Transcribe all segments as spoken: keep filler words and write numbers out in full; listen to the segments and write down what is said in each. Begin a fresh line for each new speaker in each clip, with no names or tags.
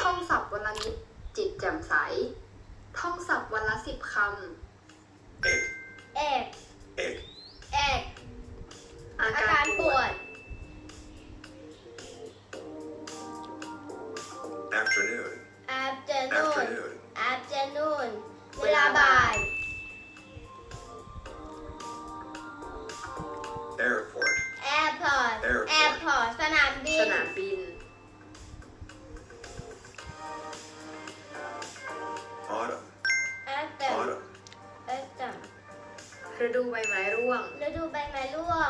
ท่องศัพท์วันละนิดจิตแจ่มใสท่องศัพท์วันละสิบคำ
เอก
เอก
เอก
เอก
อา
อา
การ
การ
ป
ป
ว
ว
ด
ด
afternoon
afternoon
afternoon
afternoon เวลาบ่าย
airport
airport
Airport
airport สนามบิ
ส
น
นามบิน
autumn
autumn
autumn
autumn
ฤดูใบไม้ร่วง
ฤดูใบไม้ร่วง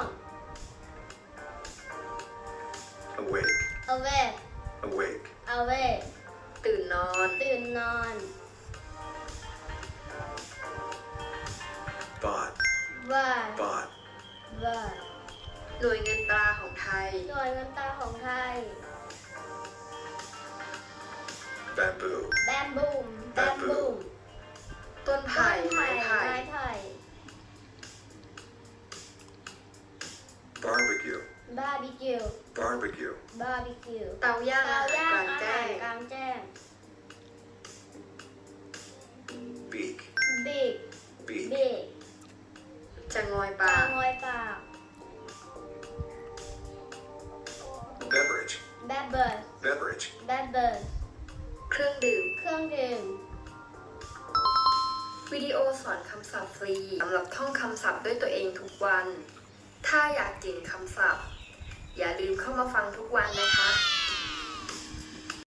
awake
awake
awake
awake
ตื่นนอน
ตื่นนอน
bought
ว่า
bought
ว่า
หน่วยเงินตราของไทย
หน่วยเงินตราของไทย
bamboo
bamboo bamboo
ต้นไผ่ไม้ไผ่
ไม้ไผ่
barbecue
barbecue
barbecue
barbecue
เตาย่าง
เตา
อาหาร
ย่าก
ลาง ง
อา
แจ้
หารง กลางแจ้ง
beak
big
beak
big
จะงอย
ปลา
ปาก
งอยปาก
beverage
beverage
beverage
beverage
เครื่องดื่ม
เครื่องดื่ม
วิดีโอสอนคำศัพท์ฟรีสำหรับท่องคำศัพท์ด้วยตัวเองทุกวัน ถ้าอยากเก่งคำศัพท์ อย่าลืมเข้ามาฟังทุกวันนะคะ